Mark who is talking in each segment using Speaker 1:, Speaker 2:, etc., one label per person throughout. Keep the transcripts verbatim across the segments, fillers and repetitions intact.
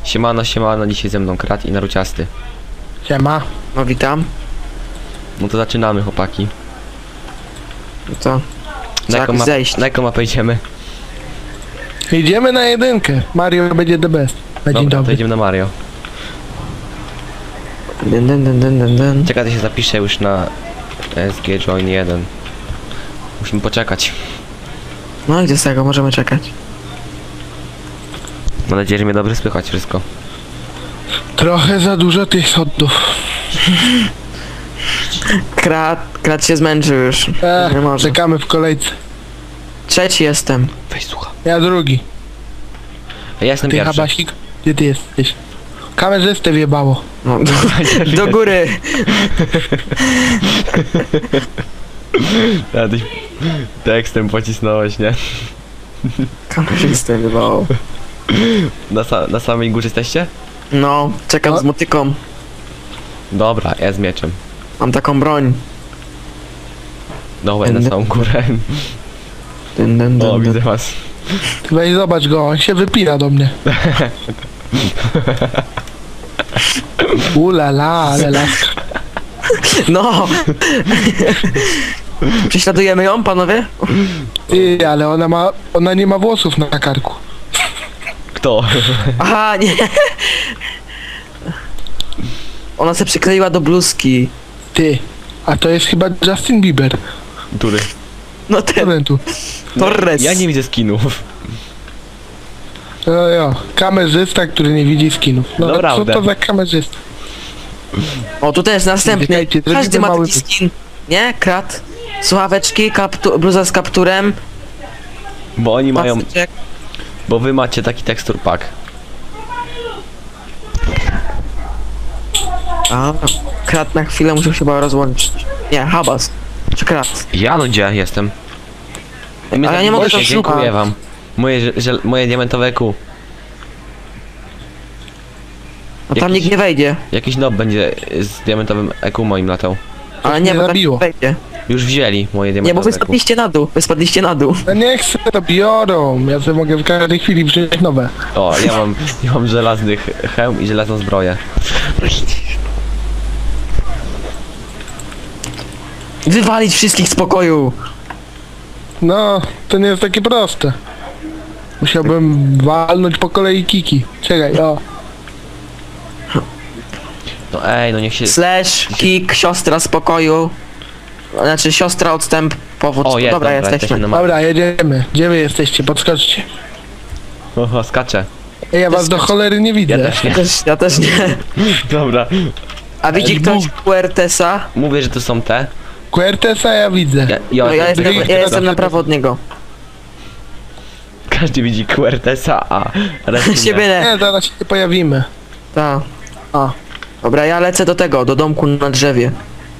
Speaker 1: Siemano, siemano, dzisiaj ze mną Krat i Naruciasty.
Speaker 2: Siema.
Speaker 3: No witam.
Speaker 1: No to zaczynamy, chłopaki.
Speaker 3: No to...
Speaker 1: Na jaką,
Speaker 3: jak
Speaker 1: map
Speaker 3: zejść?
Speaker 1: na jaką mapę idziemy?
Speaker 2: Idziemy na jedynkę. Mario będzie the best. Na dzień
Speaker 1: Dobra, to
Speaker 2: dobry.
Speaker 1: idziemy na Mario.
Speaker 3: Dun, dun, dun, dun, dun, dun.
Speaker 1: Czekaj, to się zapiszę już na S G Join jeden. Musimy poczekać.
Speaker 3: No i do tego możemy czekać.
Speaker 1: Mam nadzieję, że mnie dobrze słychać wszystko.
Speaker 2: Trochę za dużo tych sodów.
Speaker 3: Krat, krat się zmęczył już.
Speaker 2: E,
Speaker 3: Nie może.
Speaker 2: czekamy w kolejce.
Speaker 3: Trzeci jestem.
Speaker 1: Weź słucha.
Speaker 2: Ja drugi.
Speaker 1: Ja jestem
Speaker 2: Ty
Speaker 1: pierwszy.
Speaker 2: Habasik, gdzie ty jesteś? Kamerzystę wjebało.
Speaker 3: No, do, do góry.
Speaker 1: Ja tyś tekstem pocisnąłeś, nie?
Speaker 3: Kamerzystę wywołał.
Speaker 1: Na, sa na samej górze jesteście?
Speaker 3: No, czekam
Speaker 2: No.
Speaker 3: z motyką.
Speaker 1: Dobra, ja z mieczem.
Speaker 3: Mam taką broń.
Speaker 1: Dobra, na
Speaker 3: Będę-
Speaker 1: samą górę.
Speaker 3: Dun, dun,
Speaker 1: O,
Speaker 3: dun,
Speaker 1: widzę
Speaker 3: dun.
Speaker 1: was.
Speaker 2: Ty weź zobacz go, on się wypina do mnie. Ulala, ale laska.
Speaker 3: No! Prześladujemy ją, panowie?
Speaker 2: Ty, ale ona ma, ona nie ma włosów na karku.
Speaker 1: Kto?
Speaker 3: Aha, nie! Ona się przykleiła do bluzki.
Speaker 2: Ty, a to jest chyba Justin Bieber.
Speaker 1: Który?
Speaker 3: No ten,
Speaker 2: Ten tu.
Speaker 3: Torres.
Speaker 1: Ja nie widzę skinów.
Speaker 2: No jo, kamerzysta, który nie widzi skinów. No co
Speaker 1: Naprawdę.
Speaker 2: to za kamerzysta?
Speaker 3: O, tu też następny.
Speaker 2: Czekajcie,
Speaker 3: Każdy
Speaker 2: zrobimy
Speaker 3: ma
Speaker 2: mały
Speaker 3: taki skin. Nie? Krat. Słuchaweczki, kaptu bluza z kapturem.
Speaker 1: Bo oni mają...
Speaker 3: paseczek.
Speaker 1: Bo wy macie taki tekstur pack.
Speaker 3: A, Krat na chwilę musiał się chyba rozłączyć. Nie, Habas. Czy Krat?
Speaker 1: Ja no gdzie jestem?
Speaker 3: Ale ja nie mogę
Speaker 1: to
Speaker 3: to
Speaker 1: Dziękuję
Speaker 3: szukać.
Speaker 1: wam. Moje, że- że, moje diamentowe kół.
Speaker 3: No tam
Speaker 1: Jakiś-
Speaker 3: nikt nie wejdzie.
Speaker 1: Jakiś nob będzie z diamentowym E Q moim latał.
Speaker 3: Ale
Speaker 2: mnie
Speaker 3: nie, bo tam
Speaker 2: zabiło.
Speaker 3: nikt nie wejdzie.
Speaker 1: Już wzięli moje
Speaker 3: Nie, bo
Speaker 1: diamentowe
Speaker 3: wy
Speaker 1: E Q.
Speaker 3: spadliście na dół. Wy spadliście na dół.
Speaker 2: Ja nie chcę, to biorą. Ja sobie mogę w każdej chwili wziąć nowe.
Speaker 1: O, ja mam, ja mam żelazny ch- hełm i żelazną zbroję.
Speaker 3: Wywalić wszystkich z pokoju.
Speaker 2: No, to nie jest takie proste. Musiałbym walnąć po kolei kiki. Czekaj, o.
Speaker 1: No ej, no niech się...
Speaker 3: Slash, kick, siostra z pokoju. Znaczy siostra odstęp, powód.
Speaker 1: O, jest,
Speaker 3: dobra,
Speaker 1: dobra,
Speaker 3: jesteśmy.
Speaker 1: na ma-
Speaker 2: Dobra, jedziemy. Gdzie wy jesteście? Podskoczcie.
Speaker 1: Oho, skaczę.
Speaker 2: Ej, ja was do cholery nie widzę.
Speaker 1: Ja też
Speaker 3: Ja
Speaker 1: nie.
Speaker 3: też, ja też nie.
Speaker 1: Dobra.
Speaker 3: A widzi
Speaker 2: Ej,
Speaker 3: ktoś
Speaker 2: Bóg.
Speaker 3: Puertesa?
Speaker 1: Mówię, że tu są te.
Speaker 2: Quertesa ja widzę.
Speaker 1: Ja, ja,
Speaker 3: No, ja jestem,
Speaker 2: drugi-
Speaker 3: ja jestem na prawo od niego.
Speaker 1: Każdy widzi Quertesa, a reszty
Speaker 3: Siebie
Speaker 1: nie.
Speaker 3: nie.
Speaker 2: Nie, zaraz się pojawimy.
Speaker 3: Ta. O. Dobra, ja lecę do tego, do domku na drzewie.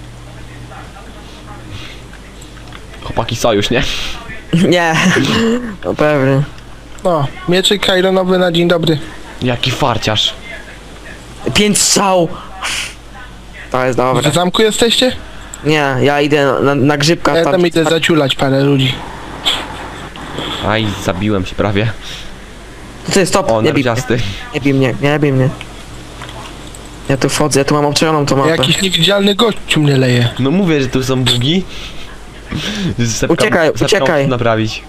Speaker 1: Chłopaki sojusz, nie?
Speaker 3: Nie. No pewnie.
Speaker 2: No, mieczyk kajronowy na dzień dobry.
Speaker 1: Jaki farciarz.
Speaker 3: Pięć strzał. To jest
Speaker 2: W
Speaker 3: dobre.
Speaker 2: zamku jesteście?
Speaker 3: Nie, ja idę na, na grzybka.
Speaker 2: Ja
Speaker 3: tam-
Speaker 2: tam idę zaciulać parę ludzi.
Speaker 1: Aj, zabiłem się prawie.
Speaker 3: Ty, stop,
Speaker 1: O,
Speaker 3: nie bij mnie.
Speaker 1: narciasty.
Speaker 3: Nie bij mnie, nie bij mnie. Ja tu wchodzę, ja tu mam obczajoną tą mapę.
Speaker 2: Jakiś niewidzialny gościu mnie leje.
Speaker 1: No mówię, że tu są bugi. Sepka,
Speaker 3: Uciekaj,
Speaker 1: sepka
Speaker 3: uciekaj.
Speaker 1: muszę naprawić.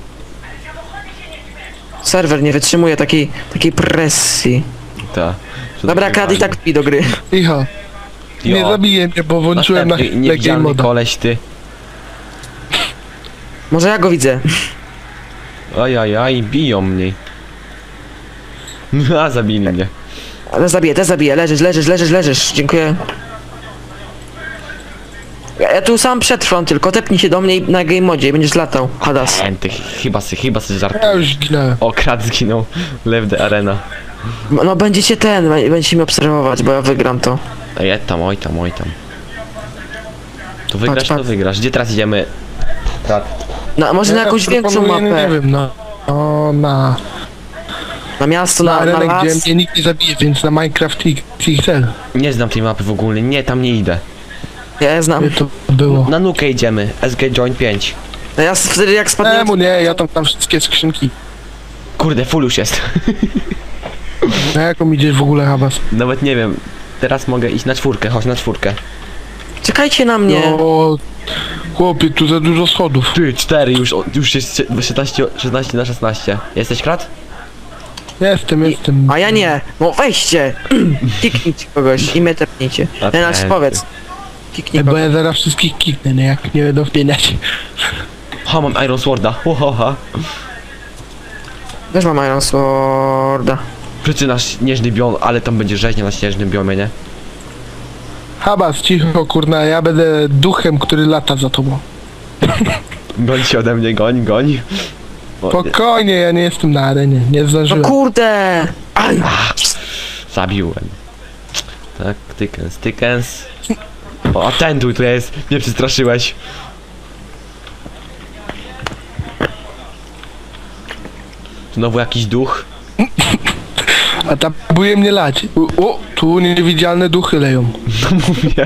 Speaker 3: Serwer nie wytrzymuje takiej, takiej presji.
Speaker 1: Ta.
Speaker 3: Dobra, Krat i tak wpi do gry.
Speaker 2: Cicho. Nie zabiję mnie, bo włączyłem na
Speaker 1: Następny
Speaker 2: lekkiej
Speaker 1: niewidzialny
Speaker 2: moda.
Speaker 1: koleś, ty.
Speaker 3: Może ja go widzę.
Speaker 1: Aj, aj, aj, biją mnie. A, zabili mnie.
Speaker 3: Ale zabiję, te zabiję, leżysz, leżysz, leżysz, leżysz. Dziękuję. Ja, ja tu sam przetrwam tylko, tepnij się do mnie i na game modzie i będziesz latał. Hadas.
Speaker 1: Enty, chyba sy, chyba sy żart.
Speaker 2: Ja już zginąłem.
Speaker 1: O, Krat zginął. Lew the arena.
Speaker 3: No będziecie ten, będziecie mnie obserwować, bo ja wygram to.
Speaker 1: Ej, tam, oj tam, oj tam. To wygrasz,
Speaker 3: Patrz,
Speaker 1: to
Speaker 3: patrz.
Speaker 1: wygrasz. Gdzie teraz idziemy? Krat.
Speaker 3: No, może na
Speaker 2: Ja
Speaker 3: jakąś większą
Speaker 2: proponuję, Nie
Speaker 3: mapę.
Speaker 2: wiem, no. O, na,
Speaker 3: Na miasto,
Speaker 2: na
Speaker 3: na, na
Speaker 2: arenę,
Speaker 3: las.
Speaker 2: gdzie mnie nikt nie zabije, więc na Minecraft X L.
Speaker 1: Nie znam tej mapy w ogóle. Nie, tam nie idę.
Speaker 3: Ja je znam.
Speaker 2: Gdzie to było?
Speaker 1: Na nukę idziemy. S G Join pięć.
Speaker 3: No ja s- wtedy jak spadłem...
Speaker 2: Czemu nie? Ja tam tam wszystkie skrzynki.
Speaker 1: Kurde, full już jest.
Speaker 2: Na jaką idziesz w ogóle, Habas?
Speaker 1: Nawet nie wiem. Teraz mogę iść na czwórkę, chodź na czwórkę.
Speaker 3: Czekajcie na mnie.
Speaker 2: No, chłopie, tu za dużo schodów.
Speaker 1: Ty, cztery, już, o- już jest szesnaście, szesnaście na szesnaście. Jesteś krat?
Speaker 2: Jestem, jestem.
Speaker 3: A ja nie. No weźcie. Kiknijcie kogoś i mnie tepnijcie.
Speaker 1: A
Speaker 3: Ten nasz
Speaker 1: ten-
Speaker 3: powiedz. Kiknij
Speaker 2: Bo
Speaker 3: kogoś.
Speaker 2: ja zaraz wszystkich kiknę, nie? Jak nie będą wpieniać.
Speaker 1: Ha, mam Iron Sworda. Ho, ho, ha.
Speaker 3: Też mam Iron Sworda.
Speaker 1: Przyczyna śnieżny biom, ale tam będzie rzeźnia na śnieżnym biomie, nie?
Speaker 2: Habas, cicho, kurna, ja będę duchem, który lata za tobą.
Speaker 1: Goń się ode mnie, goń, goń. O, nie,
Speaker 2: Spokojnie, ja nie jestem na arenie, nie
Speaker 3: No
Speaker 2: zdążyłem.
Speaker 3: kurde. Aj.
Speaker 1: zabiłem. Tak, tykens, tykens. O, a ten tu, tu jest. Mnie przestraszyłeś. Znowu jakiś duch.
Speaker 2: A tam próbuje mnie lać. U- O, tu niewidzialne duchy leją.
Speaker 1: No mówię.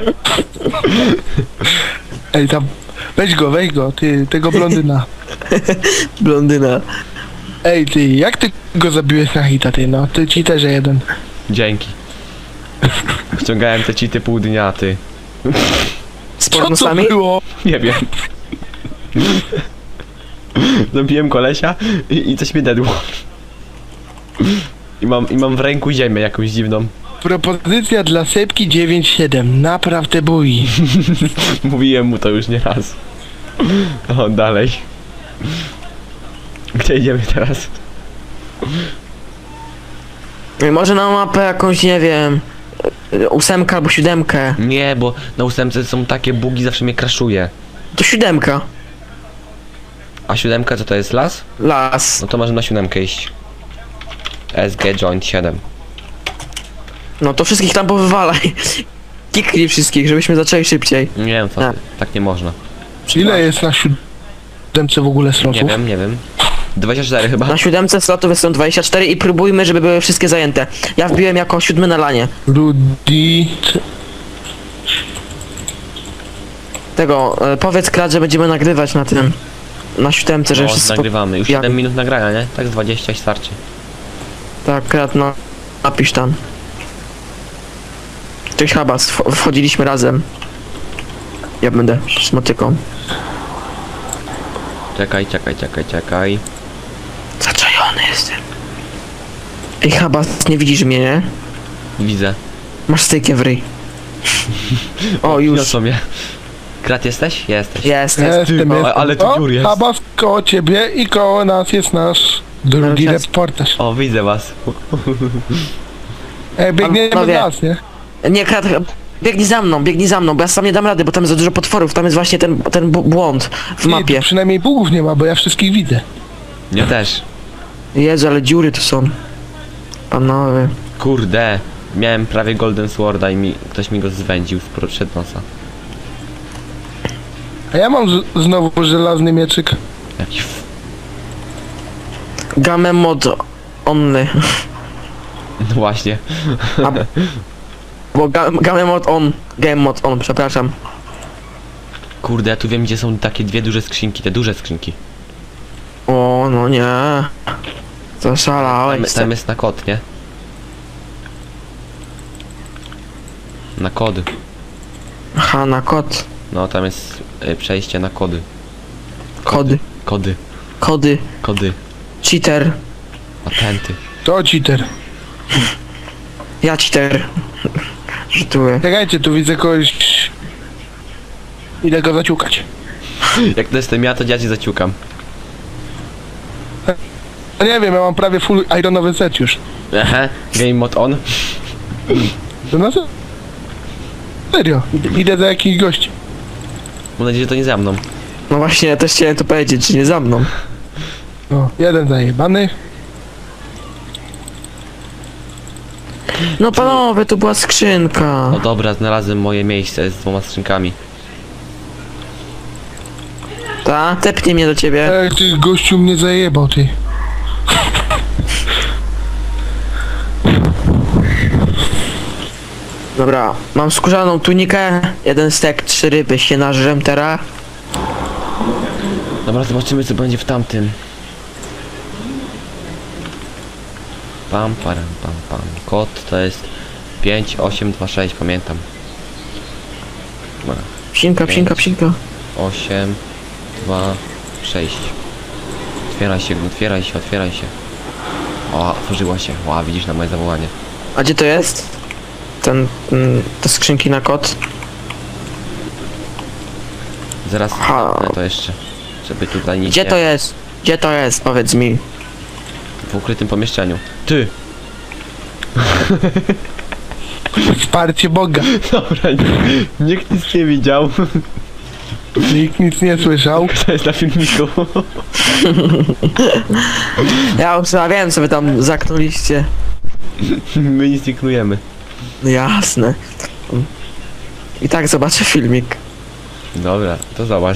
Speaker 2: Ej, tam, weź go, weź go, ty, tego blondyna.
Speaker 3: Blondyna.
Speaker 2: Ej, ty, jak ty go zabiłeś na hita, ty, no, ty ci też jeden.
Speaker 1: Dzięki. Ściągałem te cheaty pół dnia, ty.
Speaker 3: Z
Speaker 2: Co to
Speaker 3: pornosami?
Speaker 2: było?
Speaker 1: Nie wiem. Zabiłem kolesia i, i coś mnie dedło. I mam, I mam w ręku ziemię jakąś dziwną.
Speaker 2: Propozycja dla Sepki dziewięć siedem, naprawdę boi.
Speaker 1: Mówiłem mu to już nie raz. O, dalej. Gdzie idziemy teraz?
Speaker 3: I może na mapę jakąś, nie wiem, ósemkę albo siódemkę.
Speaker 1: Nie, bo na ósemce są takie bugi, zawsze mnie crashuje.
Speaker 3: To siódemka.
Speaker 1: A siódemka co to jest, las?
Speaker 3: Las.
Speaker 1: No to możemy na siódemkę iść. S G Joint siedem.
Speaker 3: No to wszystkich tam powywalaj. Kiknij wszystkich, żebyśmy zaczęli szybciej.
Speaker 1: Nie wiem co,
Speaker 3: A.
Speaker 1: ty, tak nie można.
Speaker 2: Ile jest na siódemce w ogóle
Speaker 1: Nie
Speaker 2: slotów?
Speaker 1: wiem, nie wiem. dwadzieścia cztery chyba.
Speaker 3: Na siódemce slotów są dwadzieścia cztery i próbujmy, żeby były wszystkie zajęte. Ja wbiłem jako siódmy na lanie.
Speaker 2: Rudy...
Speaker 3: Tego, e, powiedz Krat, że będziemy nagrywać na tym. Na siódemce, że
Speaker 1: No,
Speaker 3: wszystko...
Speaker 1: nagrywamy. Już
Speaker 3: Ja-
Speaker 1: siedem minut nagrania, nie? Tak z dwadzieścia i starczy.
Speaker 3: Tak, Krat, no. Napisz tam. Cześć Habas, wch- wchodziliśmy razem. Ja będę z motyką.
Speaker 1: Czekaj, czekaj, czekaj, czekaj.
Speaker 3: Zaczajony jestem. Ej Habas, nie widzisz mnie, nie?
Speaker 1: Widzę.
Speaker 3: Masz stykiem w ryj. O, już.
Speaker 1: Niosą mnie. Krat jesteś? Jesteś.
Speaker 3: Jest, jest.
Speaker 2: Jestem,
Speaker 1: ale-
Speaker 2: jestem.
Speaker 1: ale tu
Speaker 2: O,
Speaker 1: dziur jest.
Speaker 2: Habas koło ciebie i koło nas jest nasz drugi
Speaker 3: Nasz-
Speaker 2: reportaż.
Speaker 1: O, widzę was.
Speaker 2: Ej, biegniemy do
Speaker 3: Panowie.
Speaker 2: nas, nie?
Speaker 3: Nie, Krat, biegnij za mną, biegnij za mną, bo ja sam nie dam rady, bo tam jest za dużo potworów, tam jest właśnie ten, ten bu- błąd w
Speaker 2: Ty,
Speaker 3: mapie.
Speaker 2: tu przynajmniej bugów nie ma, bo ja wszystkich widzę.
Speaker 1: Ja też.
Speaker 3: Jezu, ale dziury tu są. Panowie.
Speaker 1: Kurde. Miałem prawie Golden Sworda i mi, ktoś mi go zwędził spro- przed nosa.
Speaker 2: A ja mam z- znowu żelazny mieczyk.
Speaker 1: Jakiś f...
Speaker 3: Game mod only.
Speaker 1: No właśnie.
Speaker 3: A, bo ga, game mod on. Game mod on, przepraszam.
Speaker 1: Kurde, ja tu wiem gdzie są takie dwie duże skrzynki, te duże skrzynki.
Speaker 3: O, no nie.
Speaker 1: Tam,
Speaker 3: Zaszalałeś.
Speaker 1: tam jest na kod, nie? Na kody.
Speaker 3: Aha, na kod.
Speaker 1: No tam jest y, przejście na kody.
Speaker 3: Kody.
Speaker 1: Kody.
Speaker 3: Kody.
Speaker 1: Kody.
Speaker 3: Cheater.
Speaker 1: Patenty.
Speaker 2: To cheater.
Speaker 3: Ja cheater. Żartuję.
Speaker 2: Czekajcie, tu widzę kogoś... Idę go zaciukać.
Speaker 1: Jak to jestem ja, to ja cię zaciukam.
Speaker 2: No nie wiem, ja mam prawie full ironowy set już.
Speaker 1: Aha, game mode on.
Speaker 2: To na se- serio. Idę- Idę za jakiś gości.
Speaker 1: Mam nadzieję, że to nie za mną.
Speaker 3: No właśnie, ja też chciałem to powiedzieć, że nie za mną.
Speaker 2: No, jeden zajebany.
Speaker 3: No panowie, tu była skrzynka.
Speaker 1: No dobra, znalazłem moje miejsce z dwoma skrzynkami.
Speaker 3: Ta, tepnie mnie do ciebie.
Speaker 2: Ej, ty gościu mnie zajebał, ty.
Speaker 3: Dobra, mam skórzaną tunikę, jeden stek, trzy ryby się nażrem teraz.
Speaker 1: Dobra, zobaczymy co będzie w tamtym. pam, param, pam, pam. Kod to jest pięć osiem dwa sześć, pamiętam.
Speaker 3: Psinka, psinka, psinka.
Speaker 1: osiem dwa sześć. Otwieraj się, otwieraj się, otwieraj się. O, otworzyła się. Ła, widzisz na moje zawołanie.
Speaker 3: A gdzie to jest? Ten, mm, te skrzynki na kod?
Speaker 1: Zaraz
Speaker 3: Ha.
Speaker 1: zamknę to jeszcze. Żeby tutaj nic
Speaker 3: Gdzie
Speaker 1: nie...
Speaker 3: to jest? Gdzie to jest? Powiedz mi.
Speaker 1: W ukrytym pomieszczeniu. Ty!
Speaker 2: Wsparcie Boga.
Speaker 1: Dobra, nikt nic nie widział.
Speaker 2: Nikt nic nie słyszał.
Speaker 1: To jest na filmiku.
Speaker 3: Ja już ja wiem, co wy tam zaknuliście.
Speaker 1: My nic nie knujemy.
Speaker 3: Jasne. I tak zobaczę filmik.
Speaker 1: Dobra, to zobacz.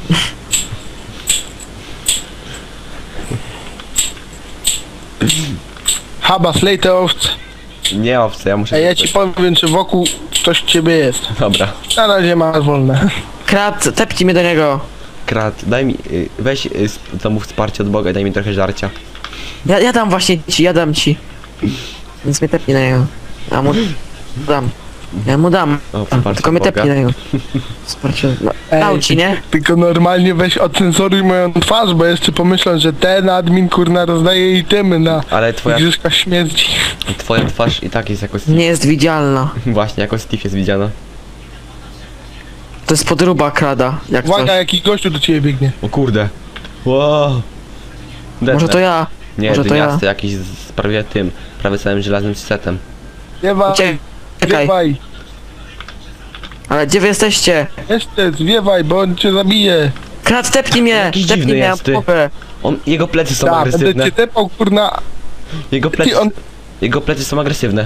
Speaker 2: Haba, slej te owce.
Speaker 1: Nie owce, ja muszę...
Speaker 2: A ja ci powiem, czy wokół coś ciebie jest.
Speaker 1: Dobra.
Speaker 2: Na razie masz wolne.
Speaker 3: Krat, tepnij mnie do niego.
Speaker 1: Krat, daj mi... y, Weź y, z- zamów wsparcie od Boga i daj mi trochę żarcia.
Speaker 3: Ja, ja dam właśnie ci, ja dam ci. Więc mnie tepnij na niego. Ja mu dam. Ja mu dam.
Speaker 1: O, wsparcie
Speaker 3: Tylko mnie
Speaker 1: Boga.
Speaker 3: tepnij na niego. Wsparcie. No, dał ci, nie?
Speaker 2: Tylko normalnie weź ocenzoruj moją twarz, bo jeszcze pomyślą, że ten admin kurna rozdaje itemy na
Speaker 1: Ale twoja,
Speaker 2: Igrzyskach Śmierci.
Speaker 1: twoja twarz i tak jest jako Steve.
Speaker 3: Nie jest widzialna.
Speaker 1: Właśnie, jako Steve jest widziana.
Speaker 3: To jest podruba krada, jak coś.
Speaker 2: Uwaga, jakiś gościu do ciebie biegnie.
Speaker 1: O kurde. Wow.
Speaker 3: Może to ja.
Speaker 1: Nie,
Speaker 3: może to ja.
Speaker 1: dyniasty jakiś z z prawie tym, prawie całym żelaznym setem.
Speaker 2: Zwiewaj,
Speaker 3: Czekaj.
Speaker 2: zwiewaj.
Speaker 3: Ale gdzie wy jesteście?
Speaker 2: Jeszcze zwiewaj, bo on cię zabije.
Speaker 3: Krat, tepnij mnie!
Speaker 1: Jakiś
Speaker 3: Tepnij
Speaker 1: dziwny
Speaker 3: mnie
Speaker 1: jest, ty.
Speaker 3: na głowę.
Speaker 1: On, jego plecy są
Speaker 2: Da, będę
Speaker 1: agresywne.
Speaker 2: cię tepał kurna.
Speaker 1: Jego plecy,
Speaker 2: Ty, on,
Speaker 1: jego plecy są agresywne.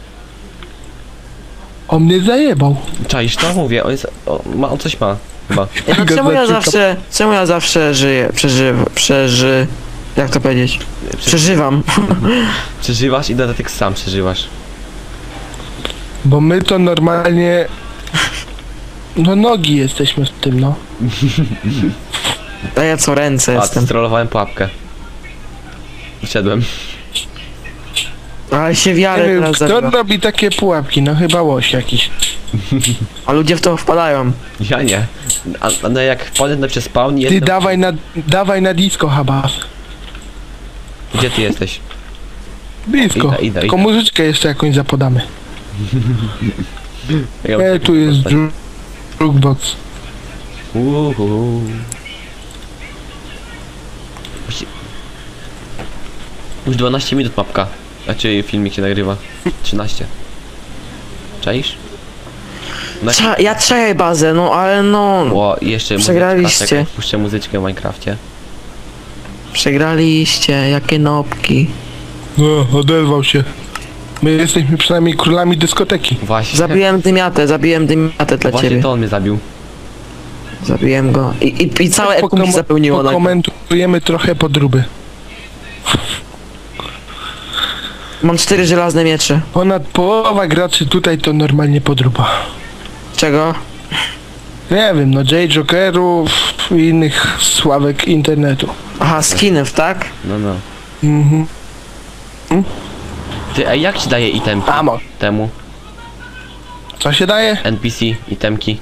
Speaker 2: on mnie zajebał.
Speaker 1: Czaisz to? Mówię, on jest, o, ma, on coś ma. Chyba.
Speaker 3: Ja, no, czemu ja
Speaker 2: Gazecie
Speaker 3: zawsze, czemu ja zawsze żyję, przeżywam, przeży... Jak to powiedzieć? Przeżywam.
Speaker 1: Przeżywasz i dodatek sam przeżywasz.
Speaker 2: Bo my to normalnie... No nogi jesteśmy w tym, no.
Speaker 3: A ja co, ręce
Speaker 1: A,
Speaker 3: jestem.
Speaker 1: strollowałem pułapkę. Wszedłem.
Speaker 3: Ale się
Speaker 2: Nie
Speaker 3: wiarę
Speaker 2: wiem,
Speaker 3: teraz
Speaker 2: kto
Speaker 3: zabiła.
Speaker 2: robi takie pułapki? No chyba łoś jakiś.
Speaker 3: A ludzie w to wpadają.
Speaker 1: Ja nie. A, a no jak wpadnę na przez spawn i
Speaker 2: Ty
Speaker 1: jestem...
Speaker 2: dawaj na, dawaj na disco, Habas.
Speaker 1: Gdzie ty jesteś?
Speaker 2: Blisko.
Speaker 1: Idę, idę,
Speaker 2: Tylko
Speaker 1: idę.
Speaker 2: muzyczkę jeszcze jakąś zapodamy.
Speaker 1: Ja
Speaker 2: E, tu jest dru- jukebox.
Speaker 1: Uhu. Musi- Już dwanaście minut mapka. Znaczy filmik się nagrywa. trzynaście. Czaisz? Na...
Speaker 3: Trza, ja trzej bazę, no ale no...
Speaker 1: O, i jeszcze
Speaker 3: Przegraliście.
Speaker 1: muzyczka, czekaj, puszczę muzyczkę w Minecrafcie.
Speaker 3: Przegraliście, jakie nopki.
Speaker 2: No, odezwał się. My jesteśmy przynajmniej królami dyskoteki.
Speaker 1: Właśnie.
Speaker 3: Zabiłem dymiatę, zabiłem dymiatę dla
Speaker 1: Właśnie
Speaker 3: ciebie.
Speaker 1: to on mnie zabił.
Speaker 3: Zabiłem go. I, i, i całe
Speaker 2: Pokom-
Speaker 3: eku mi zapełniło na...
Speaker 2: Pokomentujemy trochę podróby.
Speaker 3: Mam cztery żelazne miecze.
Speaker 2: Ponad połowa graczy tutaj to normalnie podróba.
Speaker 3: Czego?
Speaker 2: Nie wiem, no J Jokerów i innych sławek internetu.
Speaker 3: Aha, skinów, tak?
Speaker 1: No, no.
Speaker 2: Mhm.
Speaker 1: Ty, a jak ci daje itemki
Speaker 2: Amo.
Speaker 1: temu?
Speaker 2: Co się daje?
Speaker 1: N P C, itemki.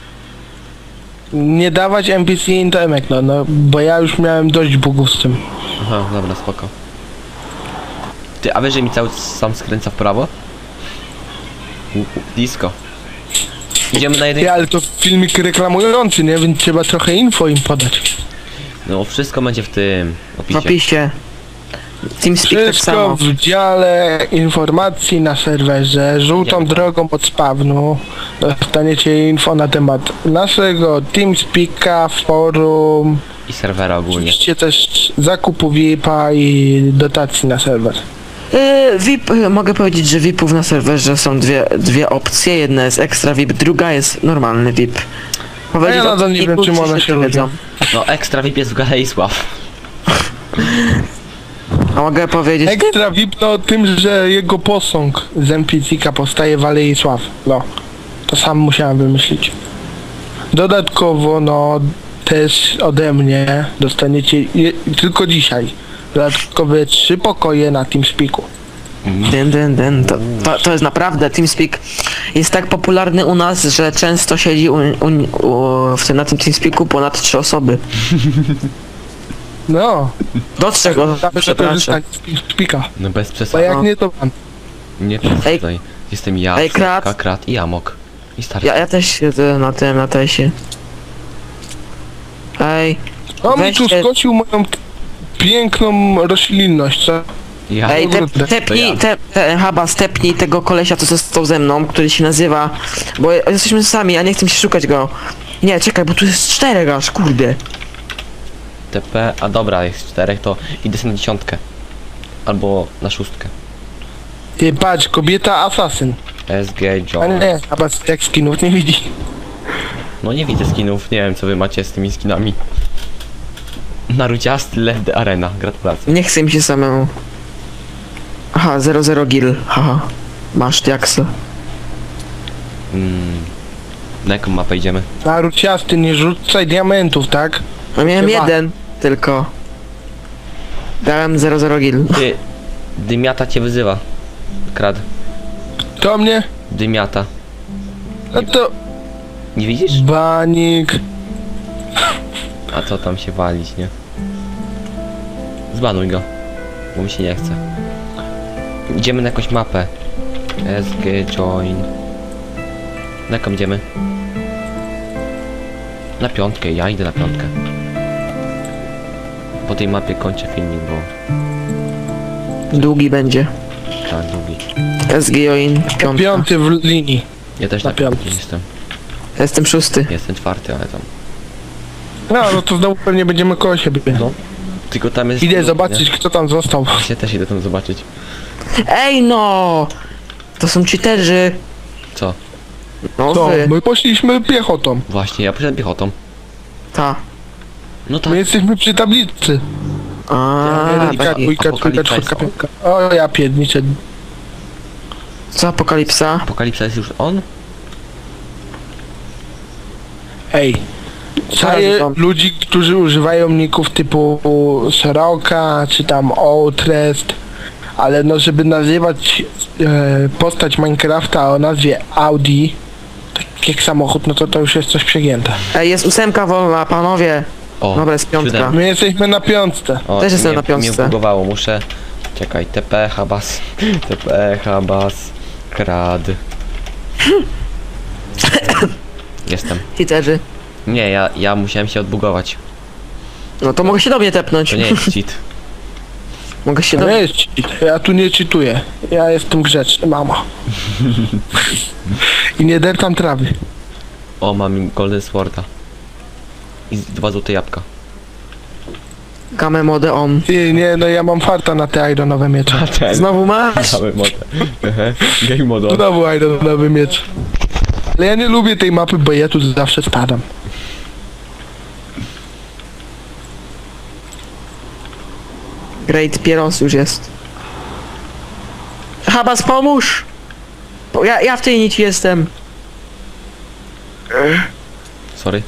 Speaker 2: Nie dawać N P C intemek, no, no, bo ja już miałem dość bugów z tym.
Speaker 1: Aha, dobra, spoko. Ty, a wiesz, że mi cały sam skręca w prawo? U, u, disco. Idziemy na jeden...
Speaker 2: Ty, ale to filmik reklamujący, nie? Więc trzeba trochę info im podać.
Speaker 1: No, wszystko będzie w tym
Speaker 3: W
Speaker 1: opisie.
Speaker 3: opisie. TeamSpeak tak
Speaker 2: Wszystko
Speaker 3: samo.
Speaker 2: w dziale informacji na serwerze, żółtą
Speaker 1: Idziemy.
Speaker 2: drogą od spawnu. Dostaniecie info na temat naszego TeamSpeaka, forum.
Speaker 1: I serwera ogólnie.
Speaker 2: Oczywiście też zakupu V I P-a i dotacji na serwer.
Speaker 3: Yy, V I P, yy, mogę powiedzieć, że V I P-ów na serwerze są dwie, dwie opcje. Jedna jest ekstra V I P, druga jest normalny V I P. Powiedzieć
Speaker 2: ja
Speaker 3: o
Speaker 2: nadal nie
Speaker 3: V I P-u,
Speaker 2: wiem, czym
Speaker 3: czy
Speaker 2: one się
Speaker 3: wiedzą?
Speaker 2: różnią.
Speaker 1: No, ekstra V I P jest w Galerii Sław.
Speaker 3: A mogę powiedzieć...
Speaker 2: Ekstra V I P no o tym, że jego posąg z N P C-ka powstaje w Alei Sław. No, to sam musiałem wymyślić. Dodatkowo, no, też ode mnie dostaniecie je, tylko dzisiaj dodatkowe trzy pokoje na TeamSpeaku.
Speaker 3: Dyn, dyn, dyn. To, to, to jest naprawdę, TeamSpeak jest tak popularny u nas, że często siedzi u, u, u, w tym, na tym TeamSpeaku ponad trzy osoby.
Speaker 2: No,
Speaker 3: Do trzech osób,
Speaker 2: zawsze
Speaker 3: przepraszam.
Speaker 2: korzystać z TeamSpeaka.
Speaker 1: No bez
Speaker 2: Bo
Speaker 1: przesady.
Speaker 2: jak
Speaker 3: No.
Speaker 2: nie, to pan.
Speaker 1: Nie
Speaker 3: Ej.
Speaker 1: tutaj. Jestem ja,
Speaker 3: Ej, Krat.
Speaker 1: Sepka, Krat i Amok. I stary.
Speaker 3: Ja, ja też siedzę na tym, na tesie. Ej,
Speaker 2: On mi tu
Speaker 3: Weźcie-
Speaker 2: skosił moją t- piękną roślinność, co?
Speaker 1: Ja.
Speaker 3: ej, te,
Speaker 2: kurde,
Speaker 3: tepnij,
Speaker 1: to ja.
Speaker 3: te, te, Haba, stepnij tego kolesia, co został ze mną, który się nazywa, bo jesteśmy sami, a nie chcę się szukać go. Nie, czekaj, bo tu jest czterech aż, kurde.
Speaker 1: T P, a dobra, jest czterech, to idę sobie na dziesiątkę. Albo na szóstkę.
Speaker 2: Ty patrz, kobieta asasyn.
Speaker 1: S G
Speaker 2: A
Speaker 1: John.
Speaker 2: nie, chyba jak skinów nie widzi.
Speaker 1: No nie widzę skinów, nie wiem co wy macie z tymi skinami. Naruciasty Led Arena, gratulacje.
Speaker 3: Nie chcę mi się samemu. Aha, zero zero gil, haha. Masz diaksa.
Speaker 1: Mm. Na jaką mapę idziemy?
Speaker 2: Naruciasty, nie rzucaj diamentów, tak?
Speaker 3: No miałem
Speaker 2: Chyba.
Speaker 3: jeden, tylko. Dałem zero zero gil.
Speaker 1: Ty, Dymiata cię wyzywa. Krad.
Speaker 2: To mnie?
Speaker 1: Dymiata.
Speaker 2: No to...
Speaker 1: Nie widzisz?
Speaker 2: Banik.
Speaker 1: A co tam się walić, nie? Zbanuj go. Bo mi się nie chce. Idziemy na jakąś mapę. S G join. Na jaką idziemy? Na piątkę, ja idę na piątkę. Po tej mapie kończę filmik, bo
Speaker 3: Długi będzie.
Speaker 1: tak długi.
Speaker 3: S G Join, piątka.
Speaker 2: Piąty w linii.
Speaker 1: Ja też
Speaker 2: Na
Speaker 1: na piątce
Speaker 2: piątce.
Speaker 1: jestem.
Speaker 3: Jestem szósty.
Speaker 1: Jestem czwarty, ale tam.
Speaker 2: No, no to znowu pewnie będziemy koło siebie.
Speaker 1: No. Tylko tam jest...
Speaker 2: Idę
Speaker 1: nie?
Speaker 2: zobaczyć, kto tam został.
Speaker 1: Ja też idę tam zobaczyć.
Speaker 3: Ej no! To są cheaterzy.
Speaker 1: Co?
Speaker 3: No
Speaker 2: Co?
Speaker 3: wy.
Speaker 2: My poszliśmy piechotą.
Speaker 1: Właśnie, ja poszedłem piechotą.
Speaker 3: Ta.
Speaker 1: No tak.
Speaker 2: My jesteśmy przy tablicy.
Speaker 3: A,
Speaker 2: Jedynka,
Speaker 3: taki.
Speaker 2: dwójka, trójka,
Speaker 1: apokalipsa
Speaker 2: czwórka,
Speaker 1: jest on.
Speaker 2: piątka. O, ja pierdniczę.
Speaker 3: Co apokalipsa?
Speaker 1: Apokalipsa jest już on?
Speaker 2: Ej. Czaję
Speaker 3: tam.
Speaker 2: ludzi, którzy używają ników typu Soroka, czy tam Outrest, ale no żeby nazywać e, postać Minecrafta o nazwie Audi, tak jak samochód, no to to już jest coś przegięte.
Speaker 3: Ej, jest ósemka wolna, panowie.
Speaker 1: O,
Speaker 3: Dobra, jest piątka.
Speaker 1: siódemka.
Speaker 2: My jesteśmy na piątce.
Speaker 1: O,
Speaker 3: Też jestem
Speaker 1: mnie,
Speaker 3: na piątce.
Speaker 1: Mnie bugowało, muszę... Czekaj, T P, Habas, T P, Habas, Krad. Jestem.
Speaker 3: Cheaterzy.
Speaker 1: Nie, ja, ja musiałem się odbugować.
Speaker 3: No to mogę się do mnie tepnąć.
Speaker 1: To nie jest cheat.
Speaker 3: Mogę się
Speaker 2: To
Speaker 3: do
Speaker 2: nie jest cheat. Ja tu nie czytuję. Ja jestem grzeczny, mama. I nie dertam trawy.
Speaker 1: O, mam Golden Sworda. I z- dwa złote jabłka.
Speaker 3: Game mode on.
Speaker 2: Ty, nie, no ja mam farta na te ironowe miecze.
Speaker 1: Ten.
Speaker 3: Znowu masz?
Speaker 1: Mamy modę. Ehe, Game mode.
Speaker 2: Znowu ironowy miecz. Ale ja nie lubię tej mapy, bo ja tu zawsze spadam.
Speaker 3: Great Pieros już jest. Habas, pomóż! Bo Ja, ja w tej nici jestem.
Speaker 1: Sorry.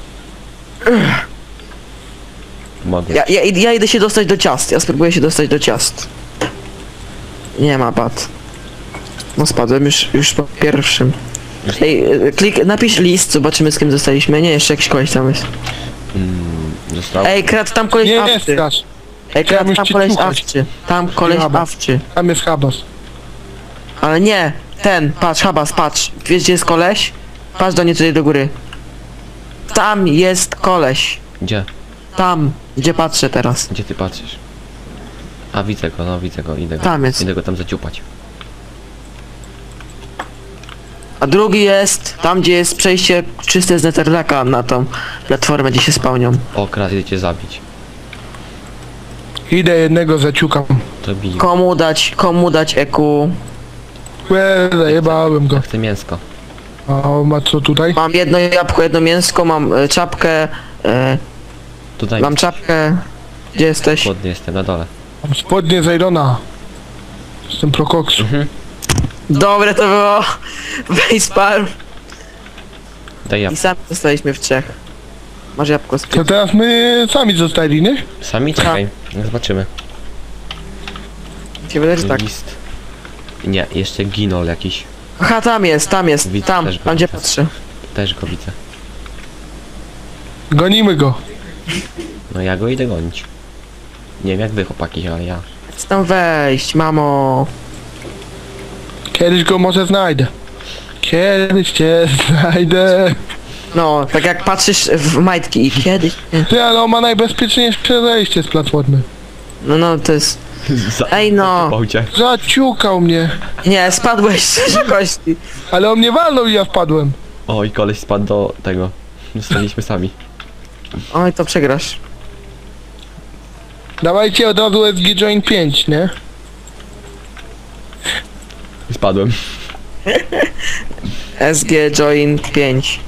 Speaker 1: Mogę.
Speaker 3: Ja, ja, ja idę się dostać do ciast. Ja spróbuję się dostać do ciast. Nie ma pad. No spadłem już, już po pierwszym. Ej, e, klik, napisz list, zobaczymy z kim zostaliśmy. Nie, jeszcze jakiś koleś tam jest.
Speaker 1: Mm, został.
Speaker 3: Ej, krat, tam koleś
Speaker 2: Nie, nie
Speaker 3: awczy.
Speaker 2: strasz.
Speaker 3: Ej, krat,
Speaker 2: już
Speaker 3: tam
Speaker 2: cię
Speaker 3: koleś
Speaker 2: słuchać.
Speaker 3: awczy. Tam koleś
Speaker 2: Habas.
Speaker 3: awczy.
Speaker 2: Tam jest Habas.
Speaker 3: Ale nie, ten, patrz, Habas, patrz. Wiesz gdzie jest koleś? Patrz do niej tutaj do góry. Tam jest koleś.
Speaker 1: Gdzie?
Speaker 3: Tam, gdzie patrzę teraz.
Speaker 1: Gdzie ty patrzysz? A widzę go, no widzę go, idę go.
Speaker 3: Tam jest.
Speaker 1: Idę go tam zaciupać.
Speaker 3: A drugi jest tam, gdzie jest przejście czyste z Netherlacka na tą platformę, gdzie się spełnią.
Speaker 1: O, Krat, idę cię zabić.
Speaker 2: Idę jednego zaciukam.
Speaker 1: To bij.
Speaker 3: Komu dać, komu dać E Q?
Speaker 2: Łe, zajebałem go.
Speaker 1: Ja chcę mięsko.
Speaker 2: A on ma co tutaj?
Speaker 3: Mam jedno jabłko, jedno mięsko, mam e, czapkę. E,
Speaker 1: Tutaj
Speaker 3: mam czapkę. Gdzie jesteś?
Speaker 1: chłodny jestem, na dole.
Speaker 2: Mam spodnie z Irona. Jestem prokoksu.
Speaker 1: Mhm.
Speaker 3: Dobre to było. Facepalm.
Speaker 1: Daj
Speaker 3: I
Speaker 1: jabłko.
Speaker 3: sami zostaliśmy w trzech. Masz jabłko z
Speaker 2: To teraz my sami zostali, nie?
Speaker 1: Sami czekaj. Zobaczymy.
Speaker 3: się wydaje, że tak.
Speaker 1: List. Nie, jeszcze ginol jakiś.
Speaker 3: Aha, tam jest, tam jest,
Speaker 1: Widzę
Speaker 3: tam,
Speaker 1: też go,
Speaker 3: tam gdzie
Speaker 1: widzę.
Speaker 3: patrzę.
Speaker 1: Też go widzę.
Speaker 2: Gonimy go.
Speaker 1: No ja go idę gonić. Nie wiem jak wy chłopaki, ale ja.
Speaker 3: Chcę tam wejść, mamo.
Speaker 2: Kiedyś go może znajdę. Kiedyś cię znajdę.
Speaker 3: No, tak jak patrzysz w majtki i kiedyś... nie.
Speaker 2: Ty, ale on ma najbezpieczniejsze zejście z platformy.
Speaker 3: No, no, to jest...
Speaker 1: Za...
Speaker 3: Ej no!
Speaker 1: Bałcie.
Speaker 2: Zaciukał mnie.
Speaker 3: Nie, spadłeś z wysokości.
Speaker 2: Ale on mnie walnął i ja wpadłem.
Speaker 1: Oj, koleś spadł do tego. Zostaliśmy sami.
Speaker 3: Oj, to przegrasz.
Speaker 2: Dawajcie od razu S G Join pięć, nie?
Speaker 1: I spadłem.
Speaker 3: S G Join pięć.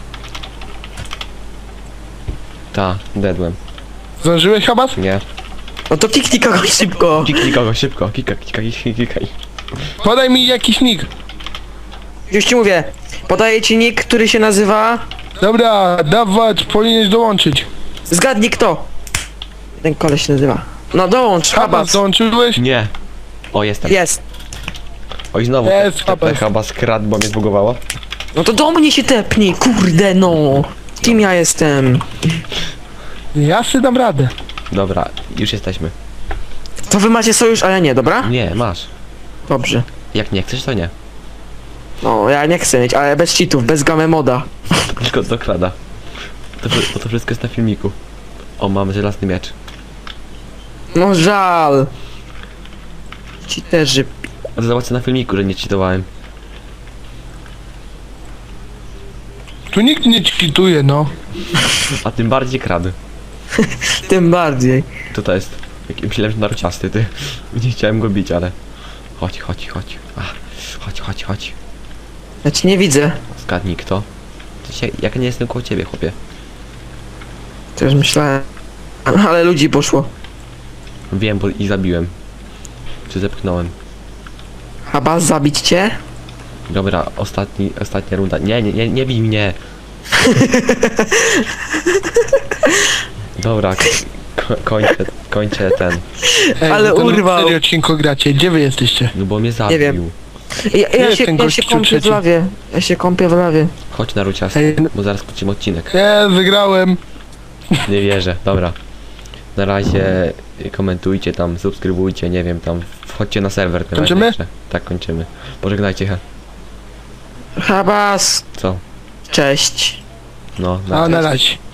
Speaker 1: Ta, dedłem.
Speaker 2: Zdążyłeś, Habas?
Speaker 1: Nie.
Speaker 3: No to kliknij kogoś szybko.
Speaker 1: Kiknij kogo szybko. Kika, kika, kika, kikaj.
Speaker 2: Podaj mi jakiś nick.
Speaker 3: Już ci mówię. Podaję ci nick, który się nazywa...
Speaker 2: Dobra, dawać, powinieneś dołączyć.
Speaker 3: Zgadnij kto. Ten koleś się nazywa. No dołącz,
Speaker 2: Habas,
Speaker 3: Habas.
Speaker 2: dołączyłeś?
Speaker 1: Nie. O, jestem.
Speaker 3: Jest.
Speaker 1: Oj, znowu.
Speaker 2: Jest,
Speaker 1: te-
Speaker 2: Habas.
Speaker 1: te chyba skradł, bo mnie zbugowało.
Speaker 3: No to do mnie się tepnij, kurde no. Kim ja jestem?
Speaker 2: Ja sobie dam radę.
Speaker 1: Dobra, już jesteśmy.
Speaker 3: To wy macie sojusz, a ja nie, dobra?
Speaker 1: Nie, masz.
Speaker 3: Dobrze.
Speaker 1: Jak nie chcesz, to nie.
Speaker 3: No, ja nie chcę mieć, ale bez cheatów, bez game moda.
Speaker 1: Tylko dokrada. To, wszy- bo to wszystko jest na filmiku. O, mamy żelazny miecz.
Speaker 3: No żal. Cheaterzy.
Speaker 1: A to zobaczę na filmiku, że nie cheatowałem.
Speaker 2: Tu nikt nie cheatuje, no.
Speaker 1: A tym bardziej kradł.
Speaker 3: Tym bardziej.
Speaker 1: To to jest. Jak- Myślałem, że narciasty, ty. Nie chciałem go bić, ale... Chodź, chodź, chodź. Ach, chodź, chodź, chodź.
Speaker 3: Ja ci nie widzę.
Speaker 1: Zgadnij kto. To się, jak nie jestem koło ciebie, chłopie.
Speaker 3: Też myślałem. Ale ludzi poszło.
Speaker 1: Wiem, bo ich zabiłem. Czy zepchnąłem.
Speaker 3: Habas, zabić cię?
Speaker 1: Dobra, ostatni, ostatnia runda. Nie, nie, nie, nie bij mnie. Dobra, ko kończę, kończę ten.
Speaker 2: Ej,
Speaker 3: Ale
Speaker 2: wy ten
Speaker 3: urwał.
Speaker 2: serio odcinku gracie, gdzie wy jesteście?
Speaker 1: No bo mnie zabił.
Speaker 3: wiem. Ja, ja,
Speaker 2: Jest
Speaker 3: się,
Speaker 2: ten
Speaker 3: ja
Speaker 2: gościu
Speaker 3: się kąpię w
Speaker 2: trzeci.
Speaker 3: lawie. Ja się kąpię w lawie.
Speaker 1: Chodź na ruciasty,
Speaker 2: Ej, no-
Speaker 1: bo zaraz kończymy odcinek.
Speaker 2: Nie, wygrałem.
Speaker 1: Nie wierzę, dobra. Na razie y, komentujcie tam, subskrybujcie, nie wiem, tam wchodźcie na serwer. to
Speaker 2: Kończymy?
Speaker 1: najlepsze. Tak, kończymy. Pożegnajcie, he.
Speaker 3: Habas.
Speaker 1: Co?
Speaker 3: Cześć.
Speaker 1: No,
Speaker 2: A, na razie.